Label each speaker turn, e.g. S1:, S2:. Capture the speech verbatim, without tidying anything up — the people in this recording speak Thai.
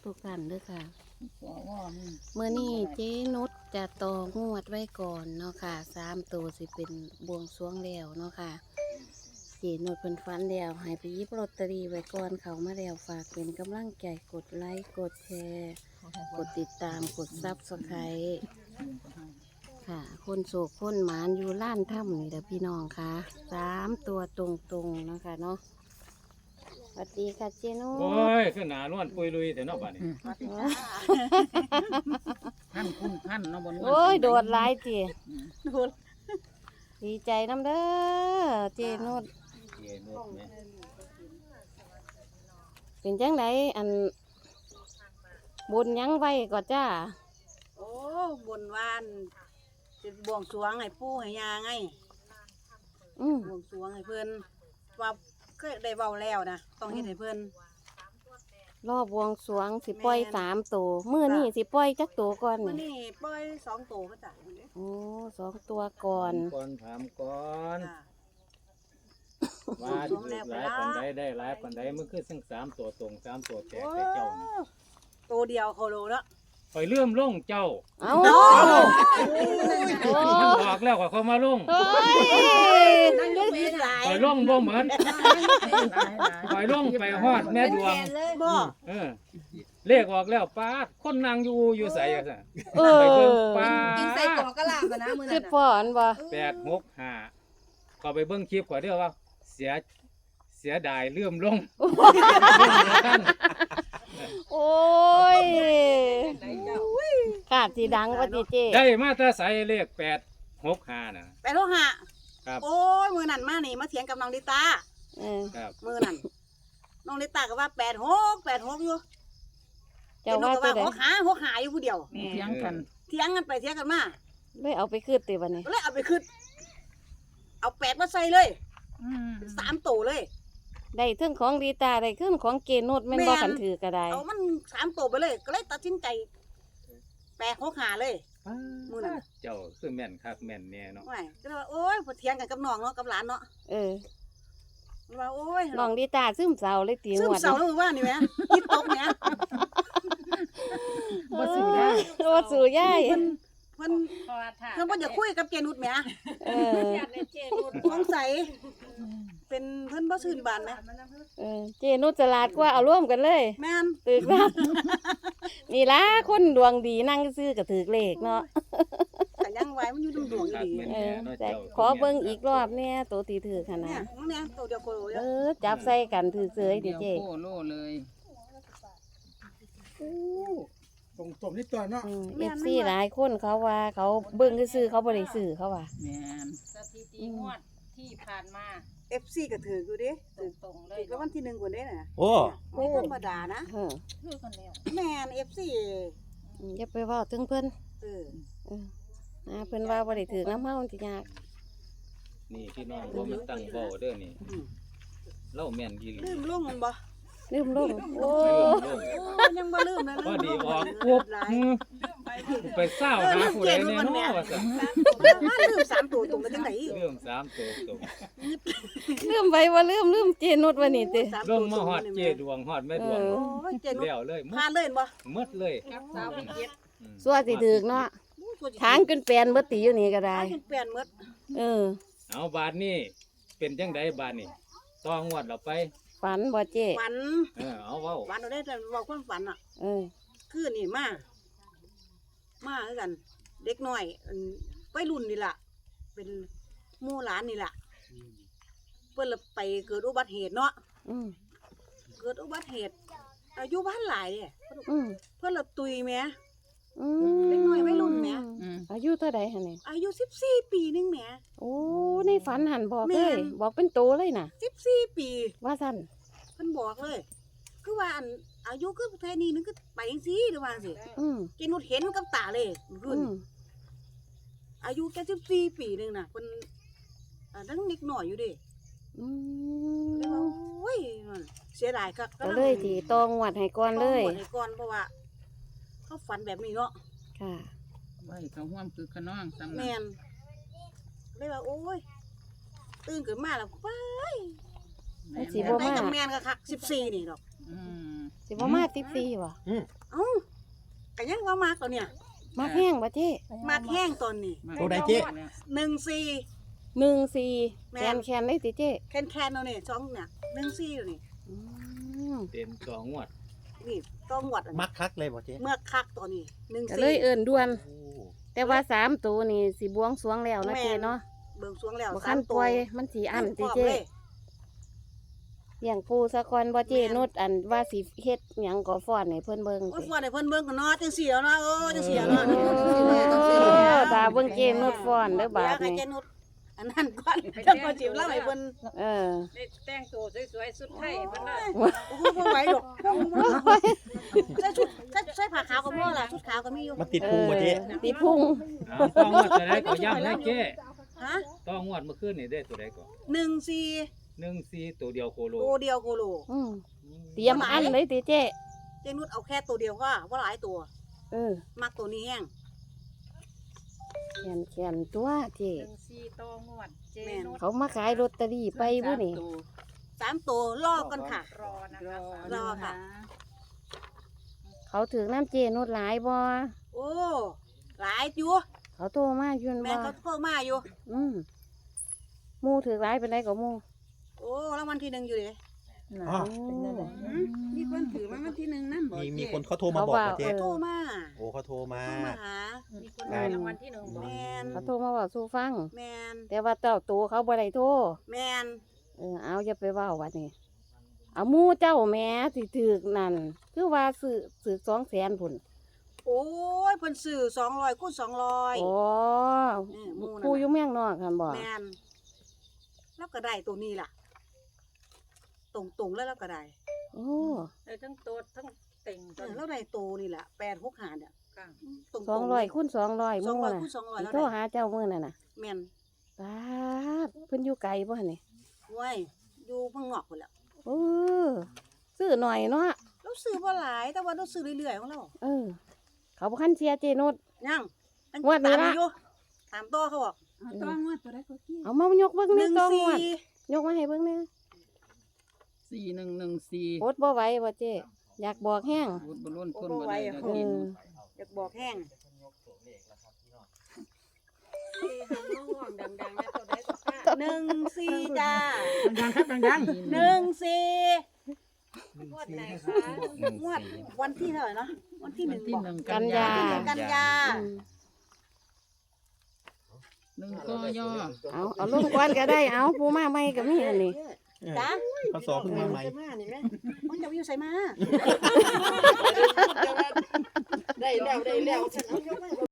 S1: ทุกท่านด้วยค่ะเมื่อนี้เจ๊นุชจะต่องวดไว้ก่อนเนาะค่ะสามตัวสิเป็นบวงสรวงแล้วเนาะค่ะเจ๊นุชเป็นฟันแล้วให้ไปหยิบลอตเตอรี่ไว้ก่อนเขามาแล้วฝากเป็นกำลังใจกดไลค์กดแชร์กดติดตามกดซับสไครต์ค่ะคนโศกคนหมานอยู่ล้านถ้ำนี่แหละพี่น้องค่ะสามตัวตรงๆเนาะค่ะเนาะสวัสดีค่ะเจนุช
S2: โอ้ยขึ้นหนานวลปุยลุยแต่นอกบ้านนี่
S3: พันคุณพันเนาะบน
S1: โอ้ยโดดหลายจี
S3: โดด
S1: ดีใจน้ำเด้อเจนุช
S2: เย็นรถไหม
S1: เป็นจังไดอันบุญยังไว้ก็จ้า
S3: โอ้บนวานจะบวงสรวงให้ปู่ให้ยาไง
S1: อืม
S3: บวงสรวงให้เพิ่นว่าเคยได้เว้าแล้วนะต้องเฮ็ดให้เพิ่น
S1: รอบบวงสรวงสิปล่อยสามตัวมื้อนี้สิปล่อยจักตัวก่อน
S3: มื้อ
S1: นี่
S3: นี้ปล่อยสองโตก็จ้ะ
S1: โอ้สองตัวก่อน
S2: ก่อนถามก่อน
S3: จ้ะ
S2: ว่าถูกหลายปันใดได้หลายปันใดมันคือซึ่งสามตัวตรงสามตัวแตกแต่เจ้านะ
S3: โตเดียวโคโลเนาะ
S2: ไปเลื่อมล่งเจ้า
S1: เอ้า
S3: โอ้
S1: โอ้
S2: มันบอกแล้วว่าเขามาล่ง
S1: เฮ้ย
S3: นั่งยกเวทหลาย
S2: ไปล่งบ่เหมือนไปล่งไปฮอดแม่ดวง
S3: บ่
S2: เออเลขออกแล้วป้าดคนนางอยู่อยู่ใส่อะซะ
S1: เอ
S2: ไปเบิ่ง
S1: อ
S2: ป้า
S4: กินใส่กรอกกระลาบอะนะมือ
S1: คื
S4: นั้
S1: อน
S4: น่ะ
S1: พ่ออันบ่
S2: แปดหกห้าก็ไปเบิ่งคลิปก่อนเด้อว่า เสียเสียดายเลื่อมล่ง
S1: โอ้ยขาดสีดังว่าจีเจ
S2: ได้มาแต่ใส่เลขแปดหกห้าน่ะ
S3: ไปโลหะ
S2: ครับ
S3: โอ้ยมื้อนั้นมานี่มาเถียงกับน้องลิตา
S1: เออ
S2: ครับ
S3: มื้อนั้นน้องลิตาก็ว่าแปดหก แปดหกอยู่
S1: เจ้าว่า
S3: เจ้า
S1: ตัว
S3: ก็
S1: ใด
S3: หกหาหกหาอยู่ผู้เดียว
S4: เถียงกัน
S3: เถียงกันไปเถียงกันมา
S1: เลยเอาไปคืดติวันนี้
S3: ก็เลยเอาไปขึ้นเอาแปดมาใส่เลย
S4: อืม
S3: สามโตเลย
S1: ได้เรื่องของดีตาได้เครื่องของเกนุดแม่นบ่ขันถือก็ได้
S3: เอามันสามโตไปเลย ก็เลยตัดสินใจแปดหกหาเลย มื้อนั้น
S2: เจ้าคือแม่นคักแม่นแน่เนาะ
S3: ไม่ก็เลยว่าโอ้ยพอเถียงกันกับน้องเนาะกับหลานเนาะ
S1: เออ
S3: ว่าโอ้ย
S1: น้องดีตาซึมเศร้าเลยตี
S3: ซึ
S1: ง
S3: ม
S1: วด
S3: เศร้าแล้วมึงว่านี่แหมคิดตกแหม
S4: บ่สู้ได้
S1: เออบ่สู่ยาย
S3: เพิ่นเพิ่นเพิ่นบ่อยากคุยกับเจนุชแหม
S1: เออ
S3: สงสัยเป็นเพิ่นบ่ชื่นบานนะ
S1: เออเจนุดสลาดกว่าเอาร่วมกันเลย
S3: แม่น
S1: ตึกรับ นี่ล่ะคนดวงดีนั่งซื้อก็ถือเลขเนาะ
S3: แต่ยังไว้มันอยู่ดวงๆอยู่
S2: คัก
S3: ดี
S2: แม่น
S1: เอ
S2: แน่
S1: อ
S2: เนาะ
S1: แต่
S2: เจ้า
S1: ขอเบิ่งอีกรอบเนี่ยตัวตีถือขนา
S3: เนี่ย
S1: ด
S3: มันเนี่ยตัวเดียวโคโล
S1: เอ
S3: เด้อ
S1: อจับใส่กันถือเสย
S4: เดี๋
S1: เดี๋
S4: ย
S1: ยว วเจ
S4: โคโลเลย
S5: ตรงตรงนี้ตัวเนาะ
S1: เอฟซีหลายคนเขาว่าเขาเบิ่งซื้อๆเขาบ่ได้ซื้อเขาว่า
S4: แม่น
S6: สถิติงวดที่ผ่านมา
S3: เอฟซีก็ถืออยู่เด้ถือ
S6: ตรงๆเล
S3: ถื
S6: ย
S3: อก็วันที่หนึ่งกว่าเด้น่ะ
S5: โอ้
S3: ไม่ธรรมดานะ
S1: เออ
S6: คือกันแล้ว
S3: แม่นเอฟซี
S1: อืมอย่าไปเว้าถึงเพิ่น
S3: เออ
S1: เอออ่าเพิ่นว่าบ่ได้ถือน้ำเฮาสิยาก
S2: นี่พี่น้องบ่มันตั้งเบ้าเด้อนี่
S3: อืม
S2: เล่าแม่นอีหลี
S3: ลืมลงมันบ่
S1: ลืมลงโอ้
S2: ลืมล่ง
S3: โอ้ยังบ่ลืมนะ
S2: พอดีออก
S3: ปุ๊
S2: ปุ๊บอืมไปเศร้าหาผู้ใดแน่เนาะว่าซั่น
S3: มาลืมสามตัวตรงไปจังได๋
S2: เรื่องสามตัวตรง
S1: ลืมไปว่าลืมลืมเจนุดว่านี่ติ
S2: ลงมาฮอดเจดวงฮอดแม่ดวง
S1: เออ
S3: โอ้ยเจนุช
S2: แล้วเลยหม
S3: พา
S2: ด
S3: เล่นบ่
S2: หมดเลย
S6: กับสาวพิเศษ
S2: อืม
S1: สัวสิถึกเนาะทางจนแปลนเบ่ติอยู่นี่ก็ได้
S3: ทางเปลี่ยนหมด
S1: เออ
S2: เอาบาทนี้เป็นจังไดบาทนี้ต้องงวดเราไป
S1: ฝันบ่เจ
S3: ฝัน
S2: เออเอาเว้า
S3: ฝันเอาได้แต่เว้าความฝันอ่ะ
S1: เออ
S3: คือนี่มา มาคือกัน เด็กน้อยอันวัยรุ่นนี่ล่ะ เป็นหมู่หลานนี่ล่ะ เพิ่นละไปเกิดอุบัติเหตุเนาะ
S1: อืม
S3: เกิดอุบัติเหตุ อายุบ้านหลายเด้
S1: อืม
S3: เพิ่นละตุยแหม
S1: อื
S3: เด็กน้อยวัยรุ่นแหม
S4: อืม
S1: อายุเท่าใดหั่นนี่
S3: อายุสิบสี่ปีนึงแหม
S1: โอ้ในฝันหันบอก
S3: แม่
S1: เลย
S3: น
S1: บอกเป็นโตเลยน่ะ
S3: สิบสี่ปี
S1: ว่าซั่น
S3: เพิ่นบอกเลย คือว่าอันอายุคือแค่นี้นึงคือไปจังซี่หรือว่าจังซี่
S1: อืม
S3: กินนุดเห็นกับตาเลยรุ่
S1: อื
S3: น
S1: ม
S3: อายุแค่สิบสี่ปีนึงน่ะเพิ่นอ่าทั้งเด็กน้อยอยู่เดิ
S1: อื
S3: เลยว่าม โอ้ยมันเสียดายคัก
S1: ก็เลยที่ตองวัดให้ก่อนเลย
S3: ต้องบวชให้ก่อนเพราะว่า เขาฝันแบบนี้เนาะ
S1: ค่ะ
S4: ไว้เขาห่วมคือขน้องสำนั
S3: แม่นเลยว่าโอ้ยตื่นขึ้นมาแล้วไป
S1: มันสิ
S3: แต่
S1: บ่
S3: ได้กับแม่นก็คักสิบสี่นี่ดอก
S4: อืม
S1: สิบ่มาสิบสี่บ่
S3: ก็ยังว่ามากตัวเนี่ย
S1: มาแห้งบ่เจ๊
S3: มากแห้งตอนนี้
S7: ตัวใดเจ๊
S3: หนึ่งสี่
S1: หนึ่งสี่
S3: แม่
S1: แคนแคนได้ติเจ๊
S3: แคนแคนเอาเนี่ยสองเนี่ยหนึ่งสี่อยู่นี่
S1: อืม
S2: เต็มสองงวด
S3: นี่ต้องหวดอัน
S7: มั
S3: นี้
S7: กคักเลยบ่เจ๊
S3: เมื่อคักตัวนี้หนึ่ง
S1: ก็
S3: สี่
S1: เลยเอิ้นด่วน
S7: โอ้
S1: แต่ว่าสามตัวนี่สิบวงสรวงแล้วนะ
S3: แม่น
S1: เจ๊เนาะ
S3: เบิ่งสวงแล้ว
S1: บ่
S3: สา
S1: คั
S3: ม
S1: น
S3: ตั
S1: ป
S3: ว
S1: ล่อยมันสิอั้นติ
S3: พร้ม
S1: เจ๊
S3: เลย
S1: เลี้ยงปูสะก่อนบ่เจ๊
S3: แม่น
S1: นุชอันว่าสิเฮ็ดหยังก็ฟ้อนให้เพิ่นเบิ่ง
S3: โอ้ย
S1: ติ
S3: ฟอนให้เพิ่นเบิ่งกันเนาะจังสี่แล้วเนาะเออจังสี่แล้วเนาะ
S1: โอ้ตาเบิ่งเจ๊นุชฟ้อนเด้อบาด
S3: ให้
S1: นี้
S3: เจนุชอันนั้นก่อนจังก่อนสิเล่าให้เพิ่น
S1: เออ
S6: ได้แต่งตัวสวยๆสุดไทยมันน่ะ
S3: โอ้โหบ่ไหวดอกใส่ชุดใส่ใส่ผ้าขาวก็พอล่ะชุดขาวก็มีอยู่
S7: มันติดพุงบ่เจ๊
S1: ออติดพุง
S2: เอาต้องงวดตัวใดก็ย้ำให้เจ๊
S3: ฮะ
S2: ต้องงวดเมื่อคืนนี่ได้ตัวใดก่อน
S3: หนึ่งสี่
S2: หนึ่งสี่ตัวเดียวโคโล
S3: ตัวเดียวโคโล
S1: อืมเตรียมอันเลยติเจ๊
S3: เจนุชเอาแค่ตัวเดียวก็ว่าหลายตัว
S1: เออ
S3: มักตัวนี้แห้ง
S1: แขนแขนตัวเจ๊
S6: หนึ่งสี่ต่องวดเจ
S3: แม่น
S6: นุช
S1: เขามาขายลอตเตอรี่ไปบ่นี่
S3: สามตัวลอกกันค่ะ
S6: รอนะคะ
S3: รอค่ะ
S1: เขาถึงน้ำเจนุชหลายบ่
S3: โอ้หลายอยู่
S1: เขาโทรมาอยู่
S3: แม่
S1: บ่
S3: เขาโทรมาอยู่
S1: อืมหมู่ถึงหลายเป็นไรก็หมู่
S3: โอ้รางวัลที่หนึ่งอยู่เลย
S7: อ๋อ
S4: มีคนถือมาวันที่หนึ่งนั่นบ่
S7: มีมีคนเขาโทรมาบอกบ่เจ๊
S3: โทรมา
S7: โอ้เขาโทรมา
S3: โทรมาหา
S6: มีคนได้รางวัลที่หนึ่งบอ
S3: แม
S6: ก
S3: น
S1: เขาโทรมาบอกสู่ฟัง
S3: แมน
S1: แต่ว่าเจ้าตัวเขาบ่ได้โทร
S3: แมน
S1: เออเอาอย่าไปเว้าวัดนี่เอาหมู่เจ้าแหม่สิถึกนั่นคือว่าซื้อซื้อสองแสนพุ่น
S3: โอ้ยเพิ่นซื้อสองร้อยคูณสองร้อย
S1: โอ้
S3: เออหมู่นั่นน่ะ
S1: ผู้อยู่เมืองนอกคั่นบ่
S3: แมนแล้วก็ได้ตัวนี้ล่ะ ตรงตรงๆแล้วเราก็ได้
S1: โอ้
S6: ได้ทั้งโตดทั้งเต่ง
S3: เอ
S6: ตัว
S3: อแล้วได้ตัวนี่แหละแปดหกหาเนี่ย
S6: กลาง
S3: ตรงๆ
S1: สองร้อยคูณสองร้อยห
S3: สอง
S1: มู่
S3: ร้อย
S1: น่ะ
S3: คูณสองร้อย
S1: สิ
S3: แล้ว
S1: โทร
S3: ได้
S1: หาเจ้ามื้อนั่นน่ะ
S3: แมน
S1: ปาดเพิ่นอยู่ไกลบ่นี่
S3: ไว้ยอยู่เพิ่งนอกคนแล้ว
S1: เออซื้อหน่อยเนาะ
S3: เราซื้อบ่หลายแต่ว่าเราซื้อเรื่อยๆของเรา
S1: เออ เขาบ่คันเชียร์เจนุช
S3: ยังยัง
S1: งวดนี้
S3: ตาม
S1: ละ
S3: อยู่ตามต่อเขาบอก
S4: เอาต้องงวดตัวใดก็กี้
S1: เอามายกเบิ่ง
S3: ห
S1: ใน
S3: นึ่ง
S1: กล้อง
S3: สี่
S1: วดยกมาให้เบิ่งแหน่
S4: สี่หนึ่งหนึ่งสี่
S1: โอดบ่ไหวบ่เจ๊อยากบอกแห้ง
S4: บุญบรุนคนบ่ได้แล้ว
S1: เอ
S4: กิน
S1: อ
S3: อยากบอกแห้ง
S6: ดังๆนะตัวใดก็กล้า
S3: หนึ่งสี่จ้า
S5: ดังๆครับดัง
S3: หนึ่งสี่
S6: งวดไหนคะ
S3: งวดวันที่เท่าไหร่เนาะวันที่ห
S4: วั
S3: นึ่
S4: น
S3: ง
S4: ที่
S3: บอก
S4: หนึ่ง
S1: กั
S4: กัน น
S1: ยา
S4: ยา
S3: กันยา
S1: อืม
S4: หนึ่งก็ย่อ
S1: เอาเอาลงก่อนก็ได้เอาผู้มาใหม่ก็มีอันนี้
S3: จ้า
S7: เขาสอเพิ่งมาใหม่
S3: นี่แม่มันจะอยู่ใส่มา
S6: ได้แล้วได้แล้วฉันเอายกมา